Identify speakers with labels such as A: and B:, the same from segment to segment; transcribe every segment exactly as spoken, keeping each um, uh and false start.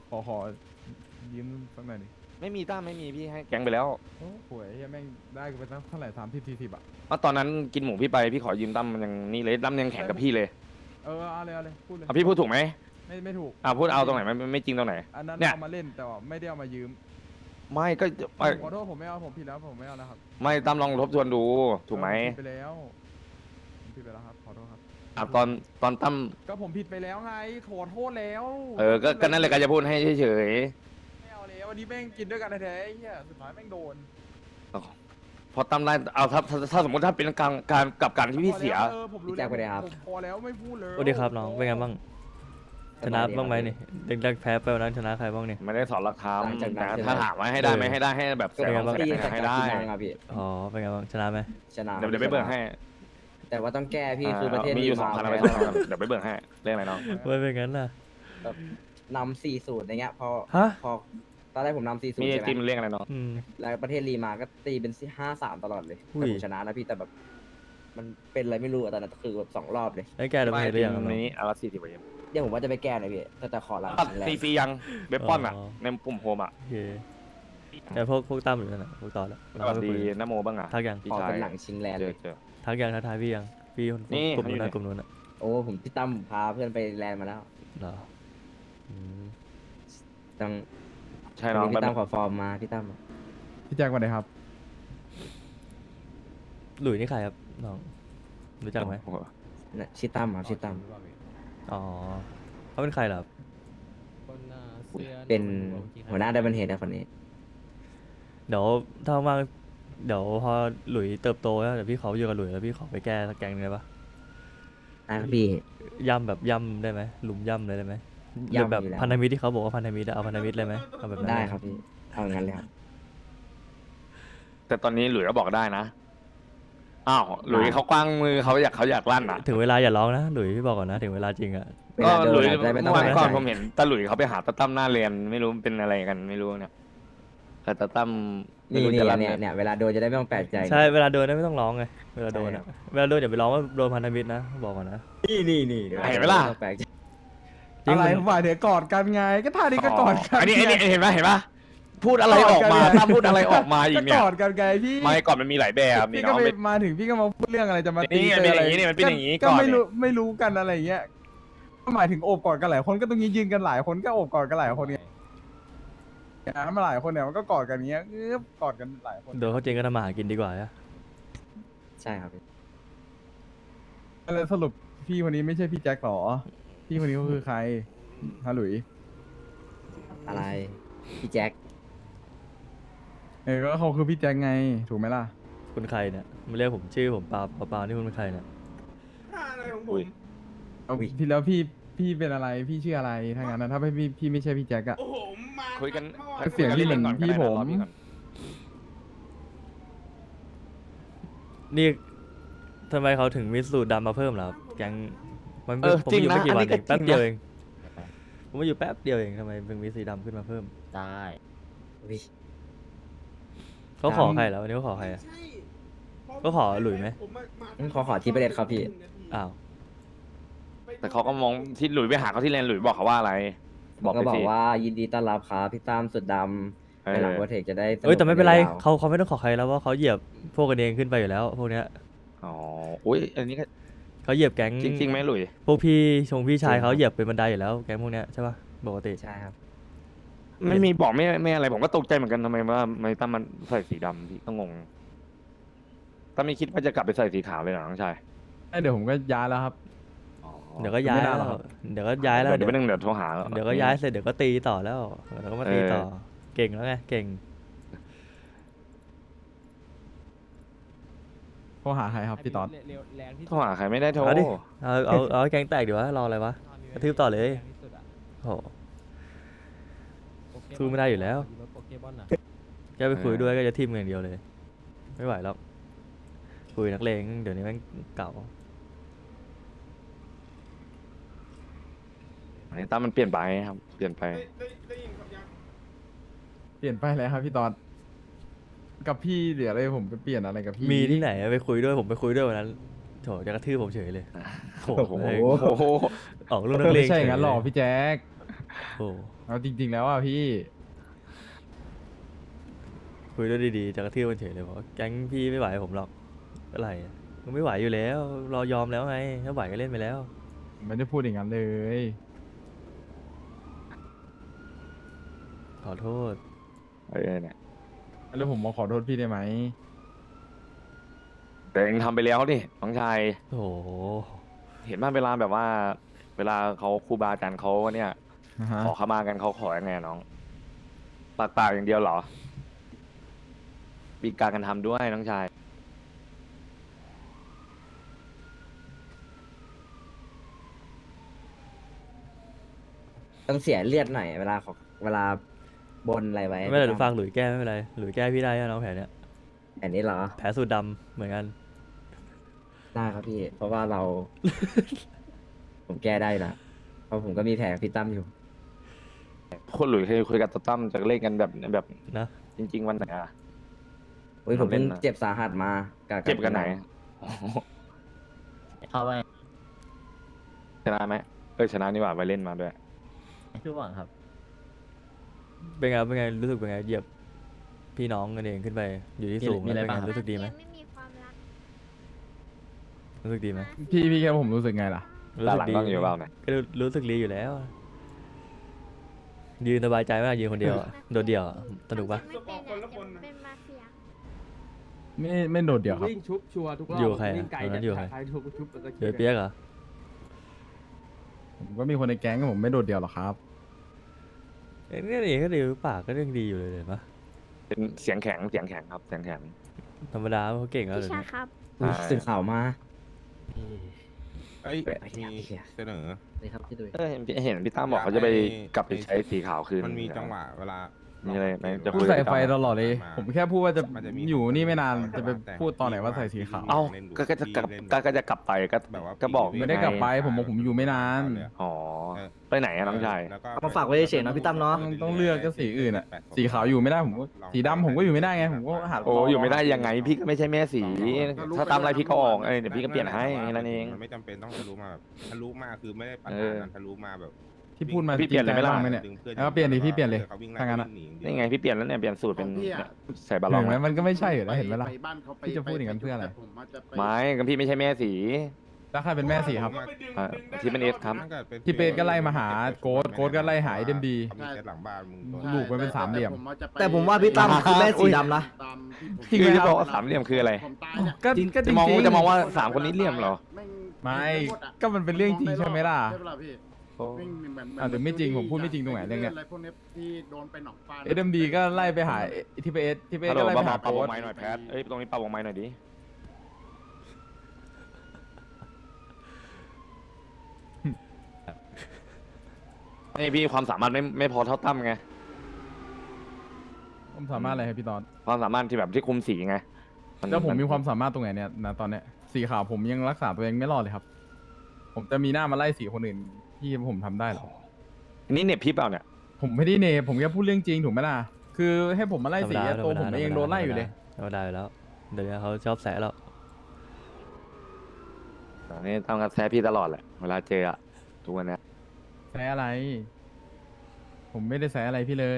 A: ขอขอยืมสักหน่อยดิ
B: ไม่มีตั้มไม่มีพี่ให้แก๊งไปแล้ว
A: โอ้โหไอ้เหี้ยแม่งได้กูไปตั้งเท่าไหร่สามสิบสี่สิบอ่ะ
B: เพราะตอนนั้นกินหมูพี่ไปพี่ขอยืมตั้มมันยังนี่เลยตั้มยังแข่งกับพี่เลย
A: เออเอาเลยเอาเลยพูดเลย
B: อ่ะพี่พูดถูกไหม
A: ไม่ไม่ถูก
B: อ่ะพูดเอาตรงไหนไม่ไม่ไม่จริงตรงไหน
A: อันนั้น
B: เนี่ย
A: เอามาเล่นแต่ว่าไม่ได้เอามายืม
B: ไม่ก็
A: ผ
B: ไม่
A: มขอโทษผมไม่เอาผมผิดแล้วผมไม่เอาแล้วครับ
B: ไม่ตั้มลองทบทวนดูถูกไหม
A: เออผผิดไปแล้วผมผิดไปแล้วครับขอโทษครับ
B: อ่ะตอนตอนตั้ม
A: ก็ผมผิดไปแล้วไงขอโทษแล้ว
B: เออก็ก็นั่นแหละก็จะพูดให้เฉย
A: ไม่เอาแล้ววันนี้แม่งกินด้วยกันแท้ๆไอ้เหี้ยสุดท้ายแม่งโดน
B: ๆพอตั้มได้เอาถ้าถ้าถ้าสมมติถ้าเป็นการการกับการที่พี่เสีย
A: เออผมรู้
C: พี่แจ็คไปเลยครับ
A: ผมพอแล้วไม่พูดเลย
D: สวัสดีครับน้องเป็นไงบ้างชนะบ้างไหมนี่เด็กๆแพ้ไปวันนั้นชนะใครบ้างนี่
B: ไม่ได้สอนหลักธรรม
C: หลังจากนั้น
B: แต่
C: ใช่ไหม
B: ถ้าถามว่าให้ได้ไหม
D: เออ
B: ให้ได้ให้แบบแส
C: ก็
B: น
C: เป็น
B: สอง
C: ว่า
B: แส
C: พี่
B: น
C: จาก
B: ให้
C: การ
B: ได้
C: กินนางครับพี่
D: อ๋อเป็นไงบ้างชนะไหม
C: ชนะ
B: เดี๋ยวเดี๋ยวไปเบิกให้
C: แต่ว่าต้องแก้พี่คือประเทศ
B: มีอยู่สอง
C: มา
B: พันอะไร
C: แพ้
B: เดี๋ยวไปเบิกให้เรื่องอะไรน้อง
D: ไม่เป็นงั้นน่ะ
C: แบบนำสี่สูตรอะไรเงี้ยพอ
D: ฮะ
C: พอตอนแรกผมนำสี่สูต
B: มี
C: ร
B: ไอ
C: ใช่ไห
B: ติม
C: ม
B: เรื่องอะไรน้อง
D: อืม
C: แล้วประเทศรีมาก็ตีเป็นห้าสามตลอดเลย
D: อุ้
C: แต่
D: ย
C: ผมชนะนะพี่แต่แบบ มันเป็นอะไรไม่รู้อะตอนนั้นคือแบบสองรอบเลย
D: ได้แก้ตัว
B: ไม่
D: เองหรือยังครับน้อง
B: นี้อาร์สี่สิบเอ็ม
C: เดี๋ยวผมว่าจะไปแก้หน่อยพี่แต่แต่ขอหลัง
B: ตัด
C: แร
B: ตี
C: ง
B: ฟรียังเว็บป้อนอ่ะ
D: อ๋อ
B: ในปุ่มโฮมอ่ะ
D: โอเคแต่พวกพวกตั้มอยู่นั่นน่ะพวกต่อแล้ว
B: สวัสดีนโมบ้างอ่ะ
D: ทักยัง
B: พี่
C: ขอ
B: ชาย
C: เป็นหลังชิงแลนด์
B: เจ
C: เล
B: อย เจอ
D: ทักยังทักทายพี่ยังพี่คน
B: นี่
D: กลุ่มนู้น
B: เขาอยู่
D: นะ
B: ไหน
D: กลุ่มนู้นน่ะ
C: โอ้ผมพี่ตั้มพาเพื่อนไปแลนด์มาแล้ว
D: เหรออืม
C: ต้อง
B: ใช่น้อง
C: พี่ตั้มขอฟอร์มมาพี่ตั้ม
A: พี่แจ็ควันไหนครับ
D: หลุยนี่ใครครับน้องรู้จักไหม
B: โอ้โห
C: น่ะชื่อตั้มครับชื่อตั้ม
D: อ๋อเขาเป็นใครเหรอครับ
C: เป็นหัวหน้าไดบันเฮดนะคนนี้
D: เดี๋ยวถ้าว่างเดี๋ยวพอหลุยเติบโตแล้วเดี๋ยวพี่ขออยู่กับหลุยแล้วพี่ขอไปแก้สักแกงหนึงได้ปะ
C: นะครับพี่
D: ย่ำแบบย่ำได้ไหมหลุมย่ำเลยได้ไหมหรื
C: ย่ำ
D: อแบบ
C: อยู่แล้ว
D: พันธมิตรที่เขาบอกว่าพันธมิตรอะเอาพันธมิตรเลยไหมเอาแบบนั้น
C: ได้
D: เลย
C: ครับพี่เอาอย่างนั้นเลยครับ
B: แต่ตอนนี้หลุยก็บอกได้นะอ้าวหลุยเขากว้างมือเขาอยากเขาอยากลั่นอ่ะ
D: ถึงเวลาอย่าร้องนะหลุยพี่บอกก่อนนะถึงเวลาจริงอะ
C: เว
B: ก็
C: ลาโด
B: หลุ
C: น
B: ย
C: อาจจะไม่ต้อง
B: เมื่อวาน
C: แพ้
B: ก่อน
C: ใจ
B: ผมเห็นตาหลุยเขาไปหาตาตั้มหน้าเรียนไม่รู้เป็นอะไรกันไม่รู้เนี่ยแต่ตาตั้มไม่
C: นี่
B: รู้
C: นี่
B: จะลั่น
C: เนี่ย
B: ไง
C: เนี่ยเวลาโดนจะได้ไม่ต้องแปลกใจ
D: ใช่เวลาโดนนะไม่ต้องร้องไงเวลาโดน
C: ใช่ครั
D: อะ
C: บ
D: เวลาโดนอย่าไปร้องว่าโดนพันธมิตรนะบอกก่อนนะ
C: นี่นี่นี่
B: เห็นไหมล่ะ
C: ไม่ต้องแปลกใจ
D: จริง
A: อะไร
D: มัน
A: ผมหมายถึงกอดกันไงก็ท่านี้ก็กอดกัน
B: อันนี้อันนี้เห็นไหมเห็นปะพูดอะไรออกมา
A: กอดกันไง
B: ถ้าพูดอะไรออกมาอี
A: ก็
B: กเนี่
A: ก
B: ย
A: อดกันไงพี่
B: ไม่ก่อนมันมีหลายแบบนี่
A: พี่
B: น้
A: ก็
B: อง
A: ไป
B: ไม่
A: มาถึงพี่ก็มาพูดเรื่องอะไรจะมาตี
B: นี่ไง
A: กั
B: เป็นอย่างนี้นี่มันเป็นอย่างนี้
A: ก็
B: ก่อน
A: ไม่รู้
B: นี่
A: ไม่รู้กันอะไรเงี้ยก็หมายถึงโอบกอดกันหลายคนก็ตรงนี้ยืนกันหลายคนก็โอบกอดกันหลายคนเนี่ยอ่ะมาหลายคนเนี่ยมันก็กอดกันเงี้ยเอ๊ะกอดกันหลายคน
D: โดนเขาจริงก็ทำมาหากินดีกว่าอะ
C: ใช่ครับพี่
A: แล้วสรุปพี่คนนี้ไม่ใช่พี่แจ็คหรอพี่คนนี้ก็คือใครฮะหลุย
C: อะไรพี่แจ็ค
A: เออก็เขาคือพี่แจ็คไงถูกไหมล่ะ
D: คุณใครเนี่ยมาเรียกผมชื่อผมเปล่าเปล่าเปล่านี่คุณเป็นใครเนี่ย
B: อุ้ย
A: เอาพี่แล้วพี่พี่เป็นอะไรพี่ชื่ออะไรถ้างั้นนะถ้าไม่พี่พี่ไม่ใช่พี่แจ็คอะ
E: โอ้โหมา
B: คุยกัน
A: เสียงที่เหมือน
B: ก่ก็
A: พี่
B: ได้นะ
A: ผม
B: รอก่อน
D: นี่ทำไมเขาถึงมีสูตรดำมาเพิ่มเหรอครับแก๊งมัน
B: เออ
D: ผม
B: จริง
D: อยู่
B: นะ
D: ไม่กี่
B: อัน
D: วัน
B: นี้
D: เอ
B: ก็
D: ง
B: จริงนะ
D: แป๊บเดียวเองผมมาอยู่แป๊บเดียวเองทำไมเพิ่งมีสีดำขึ้นมาเพิ่ม
C: ได้วิ
D: เขาขอใครแล้ววันนี้เขาขอใครอะ
E: ใช่
D: ก็ขอหลุยไหม
E: ผมมามา
C: งั้นขอขอที่ประเด็นครับพี่
D: อ้าว
B: แต่เขาก็มองที่หลุยไปหาเขาที่แลนด์หลุยบอกเขาว่าอะไร บอก
C: ก็
B: ไป
C: บอก
B: สิ
C: ว่ายินดีต้อนรับครับพี่ตั้มสุดดำ
B: เออ
C: ในหลังโปรเทคจะได้สก
D: เอ้ยแต่ไม่เป็นไร
C: ยาว
D: เขาเขาไม่ต้องขอใครแล้วว่าเขาเหยียบพวกกันเองขึ้นไปอยู่แล้ว พวกเนี้ย
B: อ๋ออุ้ยอันนี้ก็
D: เขาเหยียบแก๊ง
B: จริงๆไหมหลุย
D: พวกพี่ชงพี่ชายเขาเหยียบเป็นบันไดอยู่แล้วแก๊งพวกเนี้ยใช่ป่ะปกติ
C: ใช่ครับ
B: ไม่มีบอกไม่ไม่อะไรผมก็ตกใจเหมือนกันทำไมว่าไม่ตั้มมันใส่สีดำพี่ก็งงตั้มไม่คิดว่าจะกลับไปใส่สีขาวเลยเหรอน้องชาย
A: เอ้ยเดี๋ยวผมก็ย้ายแล้วครับ
D: เดี๋ยวก็ย้าย
A: ไม่
D: แล้
A: น่าว หรอกครับ
D: เดี๋ยวก็ย้ายแล้ว
B: เดี๋ยวไปนึงเดี๋ยวโทรหา
D: เดี๋ยวก็ย้ายเสร็จเดี๋ยวก็ตีต่อแล้วเดี๋ยวก็มาตีต่อ
B: เออ
D: เก่งแล้วไงเก่ง
A: โทรหาใครครับพี่ต๊อด
B: โทรหาใครไม่ได้โทร
D: เอาดิเอาเอาเอาให้แก๊งแตกดีวะรออะไรวะกระทืบต่อเลยโอ้โหสู้ไม่ได้อยู่แล้วแกไปคุยด้วยก็จะทิมอย่างเดียวเลย ไม่ไหวหรอกคุยนักเลงเดี๋ยวนี้แม่งเก่า
B: อันนี้ตั้มมันเปลี่ยนไปครับเปลี่ยนไป
E: ได้ได้ได้ยินครับยัง
A: เปลี่ยนไปแล้วครับพี่ต๊อดกับพี่เดี๋ยวอะไรผมไปเปลี่ยนอะไรกับพี่
D: มีที่ไหนอะไปคุยด้วยผมไปคุยด้วยวันนั้นโถจะกระทืบผมเฉยเลยโถ
B: โอ้โห
D: เลย
B: โอ้โห
D: ออกลูกนั
A: ไม่
D: กเลง
A: ใช่อย่างนั้นหรอกพี่แจ็ค
D: โอ้
A: เอาจริง ๆ แล้วอ่ะพี่
D: คุยด้วยดีๆจะกระทืบมันเฉยเลยบอกว่าแก๊งพี่ไม่ไหวผมหรอกอะไรอะมึงไม่ไหวอยู่แล้วเรายอมแล้วไงถ้าไหวก็เล่นไปแล้ว
A: ผมไม่ได้พูดอย่างนั้นเลย
D: ขอโทษ
B: เออเนี่ย
A: แล้วผมมาขอโทษพี่ได้ไหม
B: แต่เองทำไปแล้วนี่น้องชาย
D: โอ้โห
B: เห็นบ้างเวลาแบบว่า เวลาเขาครูบาอาจารย์เขาเนี่ย
A: นะฮะ
B: ขอขมากันเขาขอยังไงน้องปากเปล่าอย่างเดียวเหรอมีการกันทำด้วยน้องชาย
C: ต้องเสียเลือดหน่อยเวลาขอเวลาบนอะไรไว้
D: ไม่เป็นไรหรือฟังหลุยแก้ไม่เป็นไรหลุยแก้พี่ได้นะน้องแผลเนี้ย
C: อันนี้เหรอ
D: แผลสูตรดำเหมือนกัน
C: ได้ครับพี่ เพราะว่าเรา ผมแก้ได้นะเพราะผมก็มีแผลกับพี่ตั้มอยู่
B: คนหลุยเคยคุยกับตาตั้มจะเล่นกันแบบแบบ
D: นะ
B: จริง ๆ วันไหนอะ
C: อุ้ยผมเพิ่ง
B: ทำเล่นนะ
C: เจ็บสาหัสมากับ
B: เจ็บกันไหนอ๋อ
E: เข้าไป
B: ชนะไหมเออชนะนี่หว่าไปเล่นมาด้วย
E: ชื่อหวังครับ
D: เป็นไงเป็นไงรู้สึกเป็นไงเหยียบพี่น้องกันเองขึ้นไปอยู่ที่สูง
E: มีอะไร
D: แล้วเป็น
E: บ้าง
D: ไง
E: ครับ
D: รู้สึกดีไหม
F: ไม่มีความรัก
D: รู้สึกดีไหม
A: พี่พี่แค่ผมรู้สึกไงล่ะ
D: รู้
B: ด้าน
D: สึ
B: หลัง
D: ดี
B: ต้องอยู่เปล่าเนี่ย
D: ก็รู้รู้สึกดีอยู่แล้ว ยืนสบายใจไหมากยืนคนเดียวอะโดดเดี่ยวอะสนุกปะ
F: ไม่เป็นอะจะเป็นมาเฟีย
A: ไม่ไม่โดดเดี่ยวครับ
G: วิ่งชุบชัวร์ทุกรอบ
D: อยู่ใครอะ
G: วิ่งไกล
D: ตอนนั้
G: จะ
D: นอยู่ใคร
G: ใครชุบชุบแล้วก็
D: เดี๋ยวเปียกเหรอ
A: ผมก็มีคนในแก๊งผมไม่โดดเดี่ยวหรอกครับ
D: เอ้ยนี่เองก็ดีปากก็เรื่องดีอยู่เลยเห็นปะ
B: เป็นเสียงแข็งเสียงแข็งครับเสียงแข็ง
D: ธรรมดาเขาเก่งแล้ว
F: พี่
D: เดี๋ยว
F: ชา
D: นี้
F: ครับ
C: อุ๊ย
B: ใช่
C: สื่อข่าวมา
H: เอ้ย
C: เปิดไปที่
H: มี
C: ไหนเนี่ย
H: เสนอ
E: นี่ครับพี่ดุย
B: เออเห็นเห็นพี่ตั้มบอกเขาจะไปกลับไปใช้สีขาวคืน
H: มันมีจังหวะเวลา
B: มีอะไรไหมจะ
A: พูดใส่ไฟตลอดเลย ผมแค่พูดว่าจะ
H: มันจะมี
A: อยู่นี่ไม่นานจะไปพูดตอนไหนว่าใส่สีขาว
B: เอ้าก็ก็จะกลับก็ก็จะกลับไปก็
H: แบบว่า
B: ก็บอก
A: ไม่ได้กลับไปผมบอกผมอยู่ไม่นาน
B: อ๋อไปไหนอะน้องชาย
H: แล้วก็
E: เอามาฝากไว้เฉยๆนะพี่ตั้มเนาะ
A: ต้องต้องเลือกก็สีอื่นอ่ะ สีขาวอยู่ไม่ได้ผมก็สีดำผมก็อยู่ไม่ได้ไงผมก็หา
B: โอ้อยู่ไม่ได้ยังไงพี่ก็ไม่ใช่แม่สี ถ้าตามอะไรพี่ก็ออกเอ้ยเดี๋ยวพี่ก็เปลี่ยนให้แค่นั้นเอง
H: มันไม่จำเป็นต้องทะลุมาแบบทะลุมาคือไม่ได้ปัญ
B: เอ
H: หา
B: อ
H: นั้นทะลุมาแบบ
A: ที่พูดมา
B: พี่เปลี่ยนเลยไหมล่ะ
A: จริงใจบ้างไหมเนี่ย
H: ดึงพื่อ
A: แล้วก็เปลี่ยนดิพี่เปลี่ยนเลย
H: ขาวิ่งไ
A: ถ้างั้นอะ
H: วิ่ห
B: นี่ไงพี่เปลี่ยนแล้วเนี่ยเปลี่ยนสูตรเป็นใส่บาลอ
A: เห็
B: ง
A: นไหม
B: อะ
A: มันก็ไม่ใช่อยู่แล้วเห็นไหมล่ะ
I: ไปบ้านเขาไป
A: พี่จะพูดอย่างนั้นเพื่ออะไร
I: ผมว่าจะไป
B: ไม่ก็พี่ไม่ใช่แม่สี
A: แล้วใครเป็นแม่สีครับ
B: อ่ะที่เป็นเอสครับ
H: ถ้ากิดป็น
A: พี่เปรตก็ไล่มาหาโก๊ทโก๊ทก็ไล่หาไอ้เดมดี
H: เขามีเซตหลังบ้านมึง
A: ใช่ ลูกมันเป็นสามเหลี่ยม
I: แต่ผว่าจะไป
E: แต่ผมว่าพี่ตั้มคือแม่สีดำนะ
I: ตามที่ผม
A: จริงไหม
B: คือ
A: ค
B: จะ
A: รับ
B: บอกว่าสามเหลี่ยมคืออะไร
I: ผมตายเนี่ย
A: ก็ก็จ
B: จะ
A: ริง
B: มอง
A: ๆ
B: จะมองว่าสามคนนี้เหลี่ยมเหรอ
I: แง
A: ไม่
I: หดอะ
A: ก็มันเป็นเรื่องจริงใช่ไหมล่ะ
I: ใช่ปะล่ะพี่
B: โอ้
I: วิ่งเหมือนเหมือน
A: อ่ะแต่ไม่จริงผมพูดไม่จริงตรงไหนเรื่องเนี้ย
I: อะไรพวกเนี้ยที่โดนไปหนองฟา
A: เอ็มดีก็ไล่ไปหาที่ไปเอสที่ไปเอ
B: ฮั
A: ส
B: ลโหล
A: ก็ไล่ไป
B: เบา
A: หา
B: ๆปรับว
A: โค้
B: ง
A: ด
B: ไม้หน่อยแพทเอ้ยตรงนี้ปรับวงไม้หน่อยดินี่พี่ความสามารถไม่ไม่พอเท่าตั้มไง
A: ผมสามารถอะไรครับพี่ตอน
B: ความสามารถที่แบบที่คุมสีไงน
A: แล้วผมมีความสามารถตรงไหนเนี่ยนะตอนเนี้ยสีขาวผมยังรักษาตัวเองไม่รอดเลยครับ ผมจะมีหน้ามาไล่สีคนอื่นที่ผมทำได้เหรอ
B: อันนี้เหน็บพี่เปล่าเนี่ย
A: ผมไม่ได้เนยผมแค่พูดเรื่องจริงถูกไหมล่ะคือให้ผมมาไล่
D: ธรรม
A: สี
D: ดา
A: อะตัว
D: ธร
A: ผ
D: ร
A: ม
D: ดา
A: เองโดนไล่อยู่เลย
D: ธรรมดาอยู่แล้ว เดี๋ยวนี้เขาชอบแสะแล้ว
B: อันนี้ตั้มกับแซะพี่ตลอดแหละเวลาเจออะทุกวันเนี้ย
A: แซะอะไร ผมไม่ได้แซะอะไรพี่เลย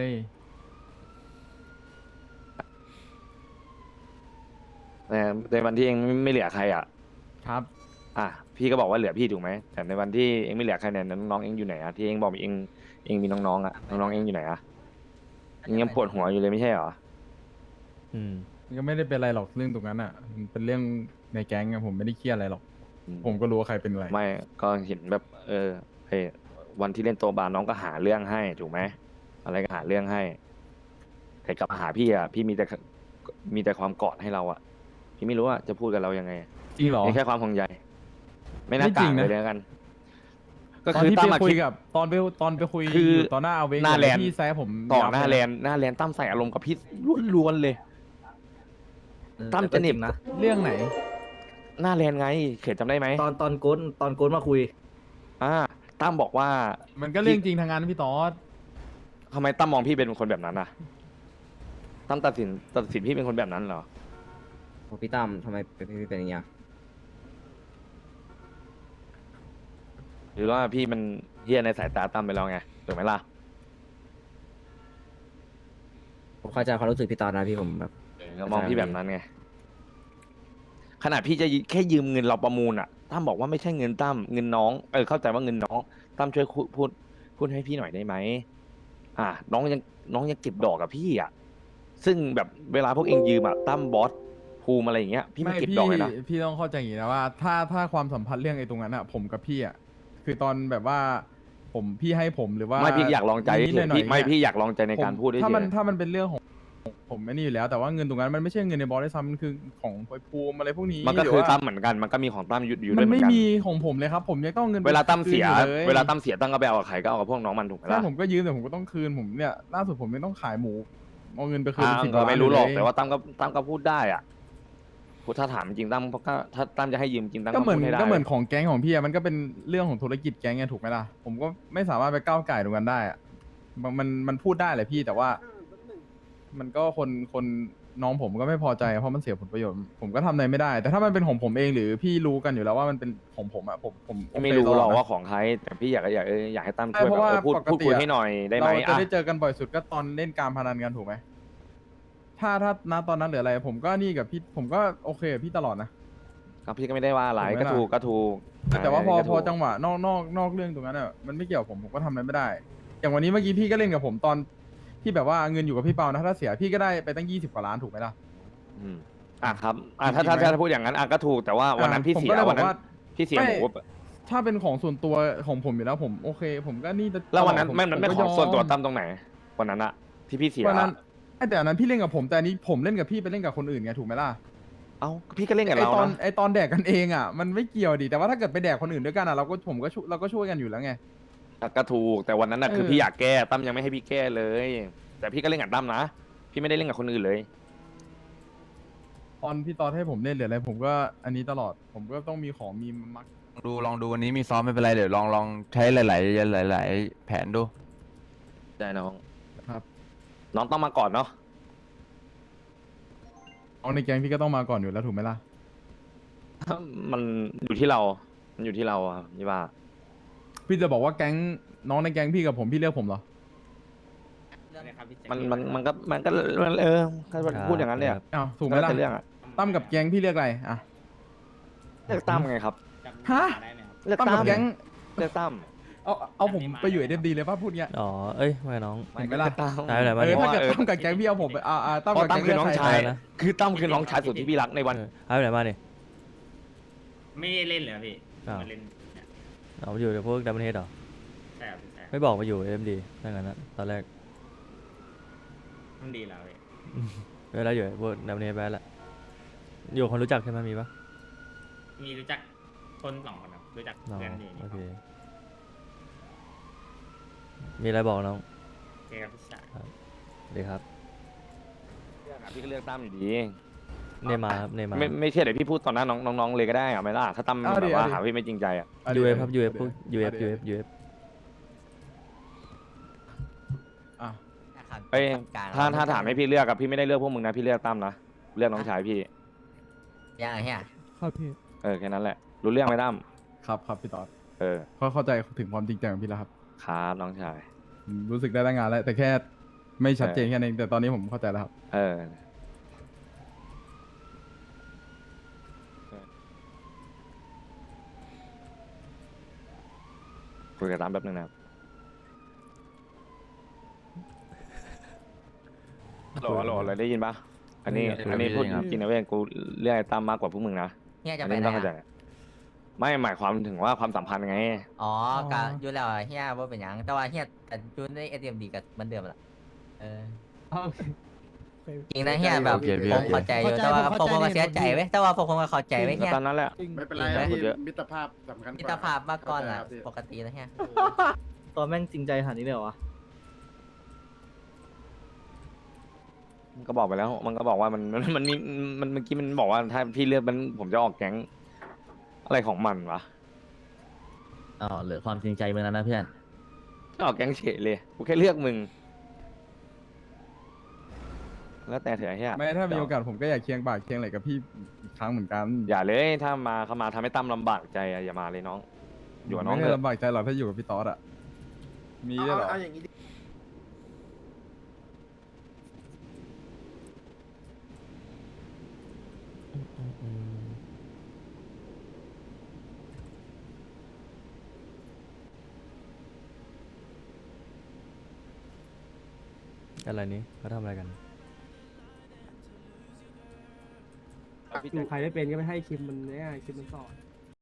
B: แต่ในวันที่เองไม่เหลือใครอ่ะ
A: ครับ
B: อ่ะพี่ก็บอกว่าเหลือพี่ถูกไหมแต่ในวันที่เองไม่เหลือใครเนี่ยน้องๆเองอยู่ไหนอ่ะที่เองบอกเองเองมีน้องๆอ่ะน้องๆเองอยู่ไหนอ่ะเองยังปวดหัวอยู่เลยไม่ใช่เหรอ
D: อืม
A: มันก็ไม่ได้เป็นอะไรหรอกเรื่องตรงนั้นอ่ะมันเป็นเรื่องในแก๊งอะผมไม่ได้เครียดอะไรหรอก ผมก็รู้ว่าใครเป็นอะไร
B: ไม่ก็เห็นแบบ เออเฮ้ยวันที่เล่นโตะบาร์น้องก็หาเรื่องให้ถูกไหมอะไรก็หาเรื่องให้แต่กลับมาหาพี่อ่ะพี่มีแต่มีแต่ความกอดให้เราอ่ะพี่ไม่รู้ว่าจะพูดกับเรายังไง
A: จริงเหรอ
B: มีแค่ความห่วงใยไม่น่า
A: ไม่จ
B: ก
A: ริ
B: ลาง
A: ง
B: เล
A: นะ
B: ยแล้วกัน ก็
A: ตอน
B: คือ
A: ที่
B: ตั้
A: ไป
B: มอะ
A: คุย
B: คิด
A: กับตอนไปตอนไปคุย
B: คือ
A: อยู่ต่อหน้าเอาเวง
B: หน้าแลนด์
A: พี่แซะผม
B: ต่อ
A: ยับ
B: หน้า
A: เลย
B: แลนหน้าแลนตั้มใส่อารมณ์กับพี่ล้วนๆเลย ตั้มจะเหน็บ
E: นะ
A: เรื่องไหน
B: หน้าแลนไงเขตจำได้ไหม
E: ตอนตอนโก้นตอนโก้นมาคุย
B: อ่าตั้มบอกว่า
A: มันก็เรื่องจริงทางงานพี่ตอส
B: ทำไมตั้มมองพี่เป็นคนแบบนั้นอ่ะตั้มตัดสินตัดสินพี่เป็นคนแบบนั้นเหรอ
C: โอ้พี่ตั้มทำไมเป็นพี่เป็นอย่างเงี้ย
B: หรือว่าพี่มันเฮี้ยในสายตาตั้มไปแล้วไงถูกไหมล่ะ
C: ผมเข้าใจความรู้สึกพี่ตอนนะพี่ผมแบบ
B: เออมองพี่แบบนั้นไงขนาดพี่จะแค่ยืมเงินเราประมูลอ่ะตั้มบอกว่าไม่ใช่เงินตั้มเงินน้องเออเข้าใจว่าเงินน้องตั้มช่วยพูดพูดพูดให้พี่หน่อยได้ไหมอ่าน้องยังน้องยังเก็บดอกกับพี่อ่ะซึ่งแบบเวลาพวกเองยืมอ่ะตั้มบอสภูมิอะไรอย่างเงี้ยพี่ไม่เก็บดอกเลยนะ
A: พี่ต้องเข้าใจอย่างนี้นะว่า ถ้าถ้าความสัมพันธ์เรื่องไอ้ตรงนั้นอะผมกับพี่อะคือตอนแบบว่า ผมพี่ให้ผมหรือว่า
B: ไม่พี่อยากลองใจ
A: นิดๆหน่อยๆ
B: พี่ไม่
A: เนี่ย
B: พี่อยากลองใจในการ
A: ผม
B: พูดด้วย
A: ถ้ามัน
B: เฉย
A: ถ้ามันเป็นเรื่องของผมไม่นี่อยู่แล้ว แต่ว่าเงินตรงนั้นมันไม่ใช่เงินในบอสด้วยซ้ำมันคือของไอ้ภูมิอะไรพวกนี้
B: มันก็
A: หรื
B: คือ
A: ว่า
B: ตั้มเหมือนกันมันก็มีของตั้มอยู่อยู่ด้
A: มั
B: วย
A: น
B: เหมือ
A: ไม่
B: นกัน
A: มีของผมเลยครับ ผมยังต้องเอาเงิน
B: เวลาตั้มเสีย
A: คืนอลย
B: เวลาตั้มเสียตั้มก็ไปเอากับใครก็เอากับพวกน้องมันถูกไหม
A: ใช่
B: ล่ะ
A: ผมก็ยืมแต่ผมก็ต้องคืนผมเนี่ยล่าสุดผมไม่ต้องขายหมูเอาเงินไปคืน
B: อ่า
A: เป็นสิบ
B: ก็
A: ล้าน
B: ไม่รู้หรอก
A: เลย
B: แต่ว่าตั้มก็ตั้มก็พูดได้อ่ะพูดถ้าถามจริงตั้มก็ถ้าตั้มจะให้ยืมจริงตั้ม
A: ก็
B: ก็
A: เหมื
B: พู
A: อน
B: ดให้ได้
A: ก็เหมือนของแก๊งของพี่อะมันก็เป็นเรื่องของธุรกิจแก๊งไงถูกไหมล่ะผมก็ไม่สามารถไปก้าวไก่ตรงนั้นได้อะมันมันมันพูดได้แหละพี่แต่ว่า มันก็คนคนน้องผมก็ไม่พอใจเพราะมันเสียผลประโยชน์ ผมก็ทำอะไรไม่ได้ แต่ถ้ามันเป็นของผมเองหรือพี่รู้กันอยู่แล้วว่ามันเป็นของผมอะผมผมโอเค
B: ไม่รู้
A: ตล
B: หร
A: อ
B: อ
A: ด
B: ก
A: นะ
B: ว่าของใครแต่พี่อยากอยากเอออยากให้ตั้ม
A: ใช่
B: ช่วย
A: เพ
B: แบบ
A: ราะว่า
B: เออพูด
A: ปกติ
B: พูดคุย
A: อะ
B: ให้หน่อยได้ไหม
A: เราจะ
B: อ่ะ
A: ได้เจอกันบ่อยสุดก็ตอนเล่นการพนันกันถูกไหมถ้าถ้าณตอนนั้นหรืออะไร ผมก็นี่กับพี่ผมก็โอเคกับพี่ตลอดนะ
B: ครับพี่ก็ไม่ได้ว่าอะไร
A: ถูกไหม
B: ก็
A: ล่ะ
B: ถูกก็ถูก
A: แต่ว่าพอ
B: ก็
A: พ
B: ถู
A: อก จังหวะนอกนอกนอกเรื่องตรงนั้นอ่ะมันไม่เกี่ยวกับผมผมก็ทำอะไรไม่ได้ อย่างวันนี้เมื่อกี้พี่ก็เล่นกับผมตอนที่แบบว่าเงินอยู่กับพี่เปานะถ้าเสียพี่ก็ได้ไปตั้งยี่สิบกว่าล้านถูกไหมล่ะ
B: อืมอ่ะครับอ่ะถ้า
A: จริ
B: ถ้าง
A: ๆไหม
B: ถ้าพูดอย่างนั้นอ่ะก็ถูกแต่ว่าวันนั้นพี่
A: ผม
B: เสีย
A: ก็เลยบ
B: วั
A: อน ก
B: นั้น
A: ว่า
B: พี่เสีย
A: ไม่
B: หมู
A: ถ้าเป็นของส่วนตัวของผมอยู่แล้วผมโอเค ผมก็นี่จะ
B: แล้ววันนั้น
A: ผ
B: ไม่มันไม่
A: ผ
B: ของส่วนตัว
A: ยม
B: ตั้มตรงไหนวันนั้นอะที่พี่เสีย
A: วันนั้นไอ้แต่อันนั้นพี่เล่นกับผมแต่อันนี้ผมเล่นกับพี่ไปเล่นกับคนอื่นไงถูกไหมล่ะ
B: เอ้าพี่ก็เล่นกับ
A: ไอ
B: เรา
A: ตอน
B: นะ
A: ไอตอนแดกกันเองอ่ะมันไม่เกี่ยวดิแต่ว่าถ้าเกิดไปแดกคนอื่นด้วยกันอ่ะเราก็ผมก็ช่วยเราก็ช่วยกันอยู่แล้วไง
B: ก็ถูกแต่วันนั้นน่ะ
A: เออ
B: คือพี่อยากแก้ตั้มยังไม่ให้พี่แก้เลย แต่พี่ก็เล่นกับตั้มนะพี่ไม่ได้เล่นกับคนอื่นเลย
A: ตอนพี่ตอนให้ผมเล่นหรืออะไรผมก็อันนี้ตลอดผมก็ต้องมีของมีมัก
G: ดูลองดูวันนี้มีซ้อมไม่เป็นไรเดี๋ยวลองลองใช้หลาย ๆ หลาย ๆ แผนดู
B: ได้น้อง
A: ครับ
B: น้องต้องมาก่อนเนาะ
A: เอาในแก๊งพี่ก็ต้องมาก่อนอยู่แล้วถูกไหมล่ะ
B: มันอยู่ที่เรา มันอยู่ที่เราอะนี่ว่า
A: พี่จะบอกว่าแก๊งน้องในแก๊งพี่กับผมพี่เลือกผมเหรอ
B: มันมันมันก็มันก็มันเออก็พูดอย่างนั้นเนี่ย
D: ครับ
A: อ้าวถูกไหม
B: แล้ว
A: ล่ะ
B: แต่เรื่องอะ
A: ตั้มกับแก๊งพี่เลือกอะไรอ่ะ
B: เลือกตั้มไงครับ
A: ฮะ
B: เลือก
A: ตั้ม
B: ตั้
A: กับ
B: ม
A: แก๊ง
B: เลือกตั้ม
A: เอาเอาผมไปอยู่เอ็มดีเลยป่ะพูดเงี้ย
D: อ๋อ เอ้ยไม่น้อง
A: เห็นไหมล่ะ
B: เลือกตั้ม
D: ได้ไหน
A: เอ
D: มา
A: อ
D: ดิ
A: ถ้าเกิด
B: เออ
A: ตั้มกับแก๊งพี่เอาผมไปอ่าอ่าตั้ม
B: เพราะ
A: กับ
B: ตั้ม
A: แก๊ง
B: คือน้อง
A: เลืกใร
B: ชาย
D: นะ
B: คือตั้มคือน้องชายสุดที่พี่รักในวัน
D: เออหายไปไหนมาดิ
J: ไม่ได้เล่นเลยครับพี่
D: อ้าว
J: มาเล่นเนี่ย
D: เอาไปอยู่กับพวกดัมเบิลเฮดเหรอ
J: ใช่ครับพี่ใช่
D: ไม่บอกมาอยู่เอ็มดีถ้างั้นนะตอนแรก
J: มันดีแล้วพี่
D: เวลาอยู่พวกดัมเบิลเฮดไปแล้วอยู่คนรู้จักใช่ไหมมีปะ
J: มีรู้จักคนสองคนครับรู้จัก
D: น้อง
J: เพื่อนอยู่นี่
D: โอเค มีอะไรบอกน้อง
J: โอเคครับพี่ชาย
D: ดีครับ
B: เลือกอะพี่ก็เลือกตั้มอยู่ดี
D: เนมาครับเนมา
B: ไม่ไม่เชื่อเดี๋ยวพี่พูดตอนหน้าน้องน้องๆเลยก็ได้อะไม่ล่ะถ้าตั้ม
A: เอา
B: แบ
A: ดิ
B: บว่า
A: เอาดิ
B: หาพี่ไม่จริงใจอะ
A: าดิ
D: ยูเอฟครับยูเอฟ
A: าดิ
D: พวกยูเอฟ
A: าดิ
D: ยูเอฟยูเอฟ
A: อ่ะ
B: เอ้ยถ้าถ้าถามให้พี่เลือกกับพี่ไม่ได้เลือกพวกมึงนะพี่เลือกตั้มนะเลือกน้องชายพี่
C: ยังไงเฮีย
A: ครับพี่
B: เออแค่นั้นแหละรู้เรื่องไหมตั้ม
A: ครับครับพี่ตอด
B: เออ
A: เขาเข้าใจถึงความจริงใจของพี่แล้วครับ
B: ครับน้องชาย
A: ผมรู้สึกได้ตั้งงานแล้ว แต่แค่ไม่ชัดเจนแค่นั้นเองแต่ตอนนี้ผมเข้าใจแล้วครับ
B: เออคุยกับตั้มแป๊บนึงนะครับหล่อหล่อเลยได้ยินปะอันนี้
G: ได้ยิน
B: อันนี้
G: ได้ยิน
B: พูด
G: ครับ
B: จริงนะเว้ยกูเรียกไอ้ตั้มมากกว่าพวกมึงนะ
C: เฮียจะ
B: อัน
C: ไป
B: นี้
C: ไหน
B: ต้องเข้าใจ
C: อะ
B: ไม่หมายความถึงว่าความสัมพันธ์ไง
C: อ๋อกะอยู่แล้วอะเฮียว่าเป็นหยังแต่ว่าเฮียแต่อยู่ในเอทีเอ็มดีกับเหมือนเดิมแหละเออจริงนะเฮียแบบ
G: โอเคพี่
C: ผ
G: โอ
C: ม
G: เค
C: เข้าใจอยู่แต่ว่าพวกผมก็เสียใจเว้ยแต่ว่าพวกผมก็เข้าใจเว้ยเฮีย
B: ตอนนั้นแหละ
I: ไม่เป็นไร
C: จริงไหม
I: พี่
B: เยอะ
I: มิตรภาพสำคัญกว่า
C: มิตรภาพมาก่อนอ่ะ
I: เข้าใจครับพี่
C: ปกตินะเฮีย
E: ตอนแม่งจริงใจขนาดนี้เลยเหรอวะ
B: มันก็บอกไปแล้ว มันก็บอกว่ามันมันมันมีมันเมื่อกี้มันบอกว่าถ้าพี่เลือกมันผมจะออกแก๊งอะไรของมันวะ
E: อ๋อเหลือความจริงใจมึงแล้วนะเพื่อน
B: ก็ออกแก๊งเฉยเลยกูแค่เลือกมึง แล้วแต่เถอะไอ้เฮีย
A: ไม่ถ้ามีโอกาสผมก็อยากเคียงบ่าเคียงไหลกับพี่อีกครั้งเหมือนกัน
B: อย่าเลยถ้ามาเข้ามาทำให้ตั้มลำบากใจอะอย่ามาเลยน้อง อยู่กับน้อง
A: ไม่
B: เถ
A: ได้
B: อะ
A: ลำบากใจหรอกถ้าอยู่กับพี่ตอดอะมีด้วยเหรอ
I: เอาอย่างนี้ดิ
D: อืมอะไรนี้เขาทำอะไรกัน
K: ใครไม่เป็นก็ไม่ให้คิมมันเนี่ยคิมมันสอน